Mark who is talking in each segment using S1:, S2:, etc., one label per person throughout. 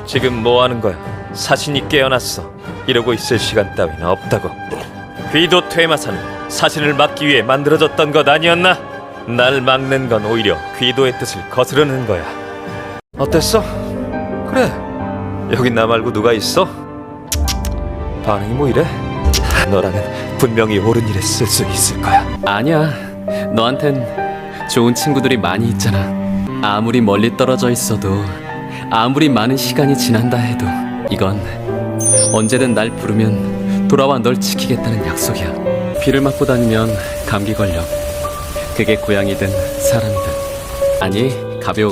S1: 지금 뭐 하는 거야? 사신이 깨어났어. 이러고 있을 시간 따윈 없다고. 귀도 퇴마사는 사신을 막기 위해 만들어졌던 것 아니었나? 날 막는 건 오히려 귀도의 뜻을 거스르는 거야. 어땠어? 그래, 여기 나 말고 누가 있어? 반응이 뭐 이래? 너라면 분명히 옳은 일에 쓸 수 있을 거야.
S2: 아니야, 너한텐 좋은 친구들이 많이 있잖아. 아무리 멀리 떨어져 있어도, 아무리 많은 시간이 지난다 해도 이건 언제든 날 부르면 돌아와 널 지키겠다는 약속이야. 비를 맞고 다니면 감기 걸려. 그게 고양이든 사람이든. 아니, 가벼운.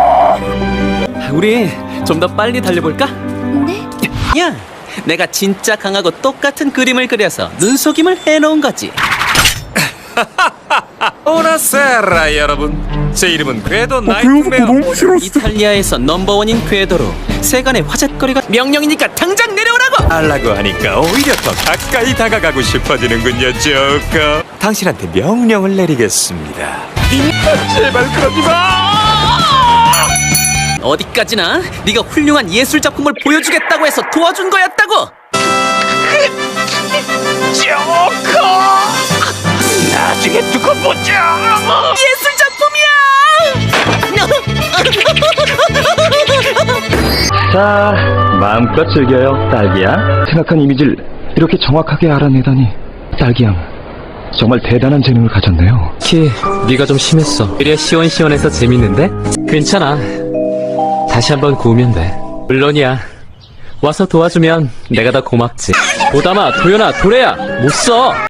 S2: 우리 좀 더 빨리 달려볼까?
S3: 네?
S2: 야, 내가 진짜 강하고 똑같은 그림을 그려서 눈속임을 해놓은 거지.
S1: 오나세라 여러분, 제 이름은 궤도 나이트메어.
S2: 이탈리아에서 넘버원인 궤도로 세간의 화제거리가 명령이니까 당장 내려오라고!
S1: 알라고 하니까 오히려 더 가까이 다가가고 싶어지는군요, 조커. 당신한테 명령을 내리겠습니다. 제발 그러지 마!
S2: 어디까지나 네가 훌륭한 예술 작품을 보여주겠다고 해서 도와준 거였다고!
S1: 조커! 나중에 두고 보자!
S2: 예술 작품이야!
S4: 자, 마음껏 즐겨요, 딸기야. 생각한 이미지를 이렇게 정확하게 알아내다니, 딸기양. 정말 대단한 재능을 가졌네요.
S5: 키, 네가 좀 심했어. 이래 시원시원해서 재밌는데? 괜찮아. 다시 한번 구우면 돼. 물론이야. 와서 도와주면 내가 더 고맙지. 보담아, 도연아, 도래야, 못 써!